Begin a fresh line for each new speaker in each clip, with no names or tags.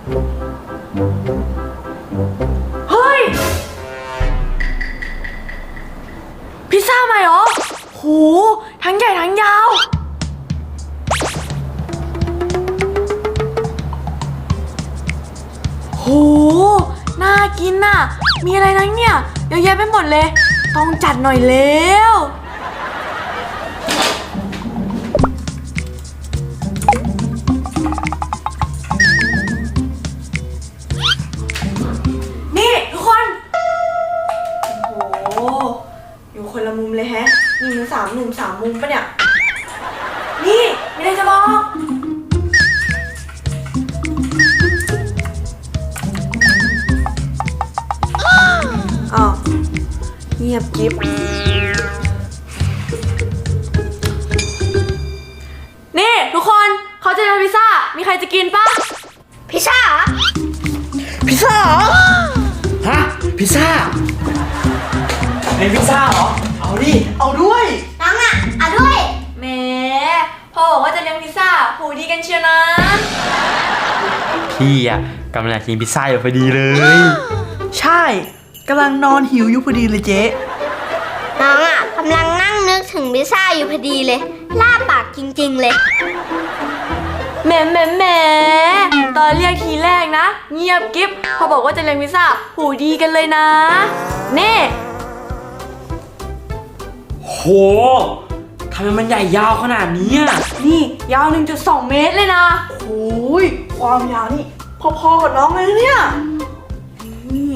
เฮ้ยพิซซ่าใหม่เหรอโหทั้งใหญ่ทั้งยาวโหน่ากินน่ะมีอะไรนะเนี่ยเยอะแยะไปหมดเลยต้องจัดหน่อยแล้วนี่ทุกคนโอ้โหอยู่คนละมุมเลยแฮะนี่มัน3 หนุ่ม 3 มุมปะเนี่ยนี่ไม่ได้จะบอกอ้าวเงียบกิ๊บนี่ทุกคนเขาจะทำพิซซ่ามีใครจะกินปะพิซซ่าพิซซ่าเหรอ
ฮะพิซซ่าเป็นพิซซ่าเหรอเอาดิเอาด้วย
น้องอ่ะเอาด้วย
แหมพ่อบอกว่าจะเลี้ยงพิซซ่าหูดีกันเชียวนะ
พี่อ่ะกำลังกินพิซซ่าอยู่พอดีเลย
ใช่กำลังนอนหิวอยู่พอดีเลยเจ๊
น้องอ่ะกำลังนั่งนึกถึงพิซซ่าอยู่พอดีเลยล่าปากจริงๆเลย
แหมตอนเรียกทีแรกนะเงียบกิ๊บพอบอกว่าจะเลี้ยงพิซซ่าหูดีกันเลยนะเน่
โหทำไมมันใหญ่ยาวขนาดนี้อ่ะ
นี่ยาว 1.2 เมตรเลยนะ
โอ้ยความยาวนี่พอๆกับน้องเลยนะเนี่ย
นี่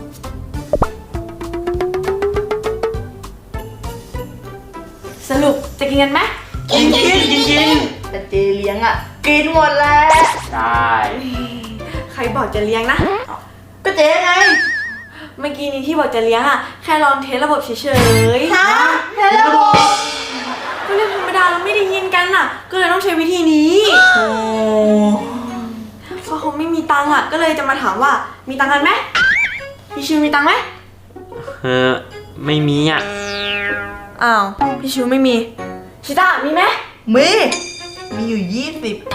สรุปจะกินกันไหม
กินแต่เจเลี้ยงอ่ะกินหมดแล้ว
ได้
ใครบอกจะเลี้ยงนะ
ก็เจ๊ไง
เมื่อกี้นี้ที่บอกจะเลี้ยงอ่ะแค่ลองเทสระบบเฉยๆ
ฮะแค่ระบบ
ก็เรื่องธรรมดาเราไม่ได้ยินกันอ่ะ ก็เลยต้องใช้วิธีนี้
โอ้
เพราะเขาไม่มีตังค์อ่ะ ก็เลยจะมาถามว่ามีตังค์กันไหมพี่ชิวมีตังค์ไหม
ไม่มีอ่ะ
อ้าวพี่ชิวไม่มีชิต้ามีไหม
มีอยู่20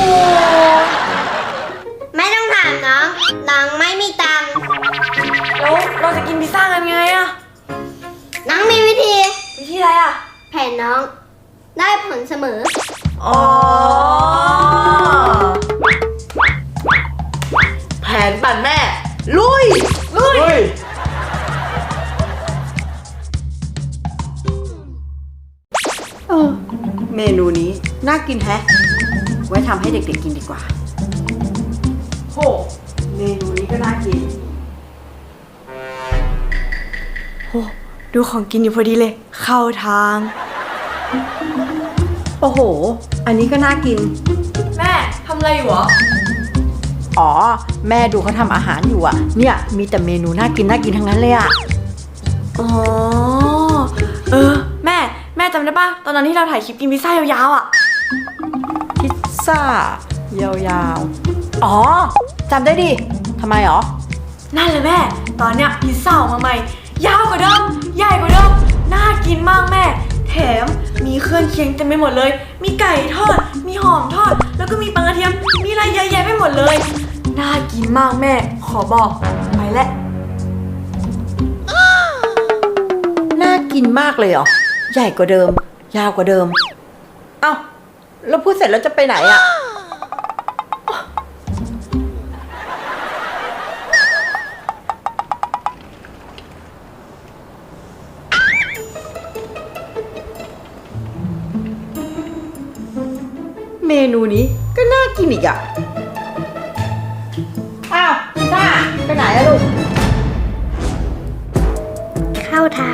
ไม่ต้องถามน้องน้องไม่มีตังค์
แล้วเราจะกินพิซซ่ากันไงอ่ะ
น้องมีวิธี
วิธีอะไรอ่ะ
แผนน้องได้ผลเสมอ
อ๋อแผนปั่นแม่ ลุย
เฮ้ย
เมนูนี้น่ากินแฮะ ไว้ทำให้เด็กๆกินดีกว่าโหเมนูนี้ก็น่ากิน
โหดูของกินอยู่พอดีเลย เข้าทาง
โอ้โห อันนี้ก็น่ากิน
แม่ทำอะไรอยู่หรอ
อ๋อ แม่ดูเขาทำอาหารอยู่อ่ะ เนี่ยมีแต่เมนูน่ากินทั้งนั้นเลยอ่ะ
อ๋อ แม่จำได้ปะตอนนั้นที่เราถ่ายคลิปกินพิซซ่ายาวๆอ่ะ
พิซซ่ายาวๆ อ๋อจำได้ดิทำไมหรอ
นั่นแหละแม่ ตอนเนี้ยพิซซ่าออกมาใหม่ ยาวกว่าเดิม ใหญ่กว่าเดิม น่ากินมากแม่ แถมมีเครื่องเคียงเต็มไปหมดเลย มีไก่ทอด มีหอมทอด แล้วก็มีปลากระเทียม มีอะไรเยอะแยะไปหมดเลย น่ากินมากแม่ ขอบอก ไปแล้ว
น่ากินมากเลยเหรอ ใหญ่กว่าเดิม ยาวกว่าเดิม เอ้าแล้วพูดเสร็จแล้วจะไปไหนอ่ะ เมนูนี้ก็น่ากินอีกอ่ะ อ้าวซ่าไปไหนอะลูก
เข้าทาง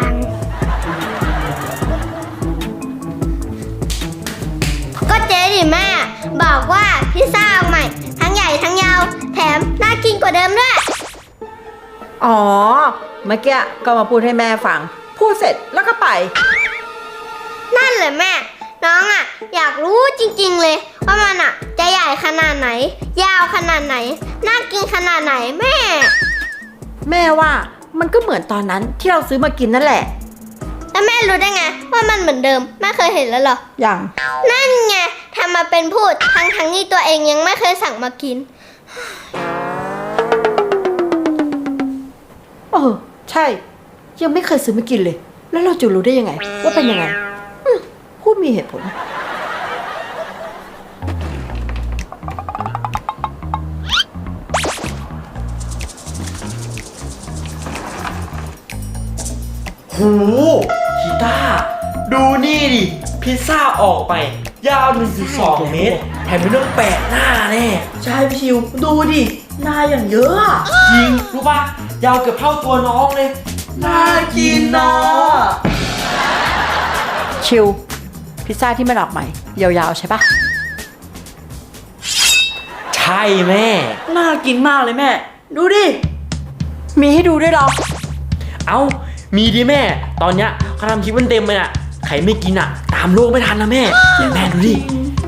ก็เจ๊ดิแม่ บอกว่าพิซซ่าเอาใหม่ ทั้งใหญ่ทั้งยาว แถมน่ากินกว่าเดิมด้วย
อ๋อ เมื่อกี้ก็มาพูดให้แม่ฟัง พูดเสร็จแล้วก็ไป
นั่นแหละแม่ น้องอ่ะ อยากรู้จริงๆเลย ว่ามันอ่ะ จะใหญ่ขนาดไหน ยาวขนาดไหน น่ากินขนาดไหนแม่
แม่ว่ามันก็เหมือนตอนนั้นที่เราซื้อมากินนั่นแหละ
แล้วแม่รู้ได้ไง ว่ามันเหมือนเดิมแม่เคยเห็นแล้วเหรอ
อย่าง
นั่นไงทำมาเป็นพูดทั้งที่ตัวเองยังไม่เคยสั่งมากิน
ใช่ ยังไม่เคยซื้อมากินเลย แล้วเราจะรู้ได้ยังไง ว่าเป็นยังไงพูดมีเหตุผล
หูกีตาร์ดูนี่ดิ พิซซ่าออกไป ยาว1.2 เมตร แถมไม่ต้องแปะหน้าแน่
ใช่พี่ชิว ดูดิหน้าอย่างเยอะอะ
จริง รู้ป่ะ ยาวเกือบเท่าตัวน้องเลย น่ากินนะ
ชิลพิซซ่าที่มันออกใหม่ ยาวๆใช่ปะ
ใช่แม่
น่ากินมากเลยแม่ ดูดิ
มีให้ดูด้วยเหรอ
เอ้า มีดิแม่ ตอนเนี้ยเขาทำคลิปมันเต็มเลยอะใครไม่กินอะตามโลกไม่ทันนะแม่เดี๋ยวแม่ดูดิ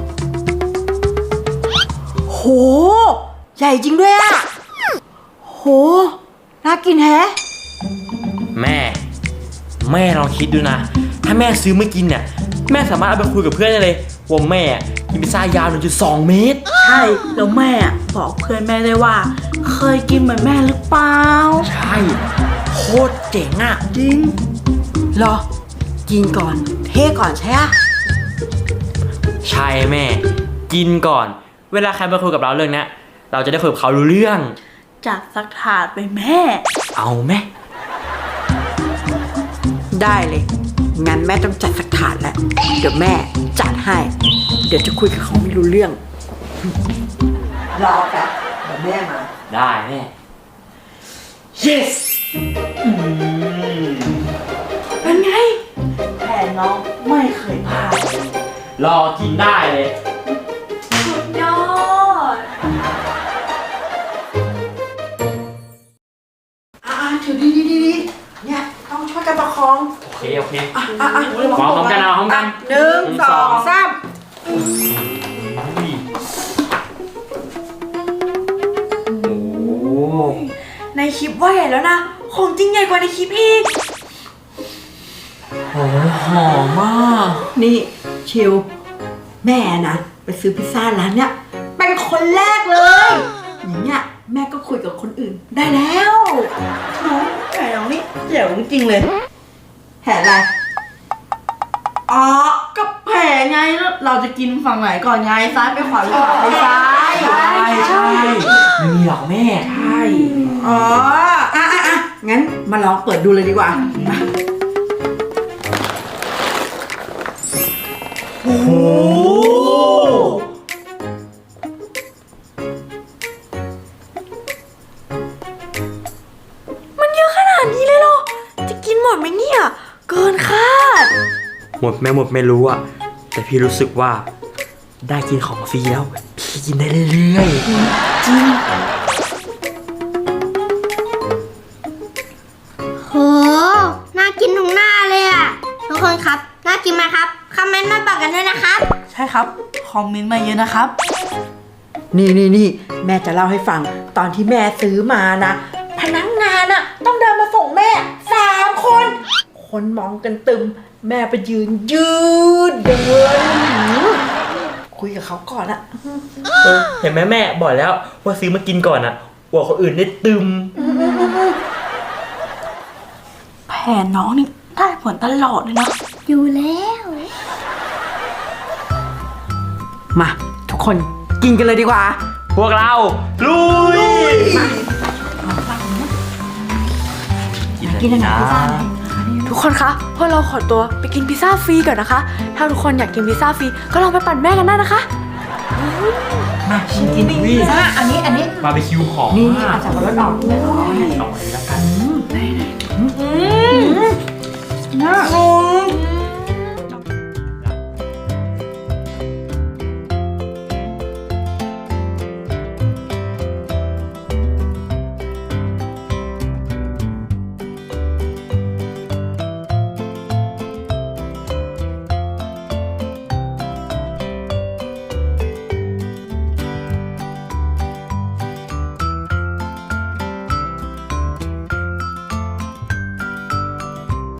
โห ใหญ่จริงด้วยอะโห น่ากินแฮะ
แม่ลองคิดดูนะ ถ้าแม่ซื้อมากินเนี่ย แม่สามารถเอาไปคุยกับเพื่อนได้เลยว่าแม่กินพิซซ่ายาว 1.2 เมตร
ใช่ แล้วแม่อะบอกเพื่อนแม่ได้ว่า เคยกินเหมือนแม่หรือเปล่า
ใช่ โคตรเจ๋งอะ
จริง
เหรอ กินก่อน เทก่อนใช่ปะ
ใช่แม่ กินก่อน เวลาใครมาคุยกับเราเรื่องเนี้ย เราจะได้คุยกับเขารู้เรื่อง
จัดสักถาดไปแม่
เอาไหม
ได้เลย งั้นแม่ต้องจัดสักถาดแล้ว เดี๋ยวแม่จัดให้ เดี๋ยวจะคุยกับเขาไม่รู้เรื่อง รอแป๊บเดี๋ยวแม่มา
ได้แม่ yes
เป็นไงแผนน้องไม่เคยพลาด
รอกินได้เลย
สุดยอด
ถือดีเนี่ยต้องช่วยกันประคอง
โอเคพร้อมกันเอาพร้อมกัน
หนึ่งสองสาม
อุ้ยโอ้โห
ในคลิปว่าใหญ่แล้วนะ ของจริงใหญ่กว่าในคลิปอีก
หอมมาก
นี่ชิวแม่นะไปซื้อพิซซ่าร้านเนี้ยเป็นคนแรกเลยอย่างเงี้ยแม่ก็คุยกับคนอื่นได้แล้ว
น้องไก่น้องนี่เจ๋งจริงเลย
แผนอะไร
อ๋อก็แผลไงแล้วเราจะกินฝั่งไหนก่อนไงซ้ายไปขวาหรือขวาไปซ้าย
ใช่ไม่มีหรอกแม่
ใช่
อ๋องั้นมาลองเปิดดูเลยดีกว่ามา
โอ้โห
มันเยอะขนาดนี้เลยเหรอ จะกินหมดไหมเนี่ย เกินคาด
หมดไม่รู้อะแต่พี่รู้สึกว่าได้กินของฟรีแล้ว พี่กินได้เรื่อยๆ จริง
โห น่ากินทุกหน้าเลยอ่ะ ทุกคนครับ น่ากินไหมครับ คอมเมนต์มาบอกกันด้วยนะครับ
ใช่ครับ คอมเมนต์มาเยอะนะครับ
นี่แม่จะเล่าให้ฟังตอนที่แม่ซื้อมานะพนักงานอะต้องเดินมาส่งแม่3 คนคนมองกันตึม แม่ไปยืนเดินคุยกับเขาก่อนอะ
เห็นไหมแม่บอกแล้วว่าซื้อมากินก่อนอะอวดคนอื่นได้ตึม
แผนน้องนี่ได้ผลตลอดเลยนะ
อยู่แล้ว
มาทุกคนกินกันเลยดีกว่า
พวกเราลุย
กินอะไรพิซซ่า
ทุกคนคะพวกเราขอตัวไปกินพิซซ่าฟรีก่อนนะคะ ถ้าทุกคนอยากกินพิซซ่าฟรีก็ลองไปปั่นแม่กันได้นะคะ
มากินพิซซ่าอันนี้
บาร์บีคิวหอม
นี่
มาก
อาจจะรสออกเลย
ลองอันนี้แล้วกัน
อืม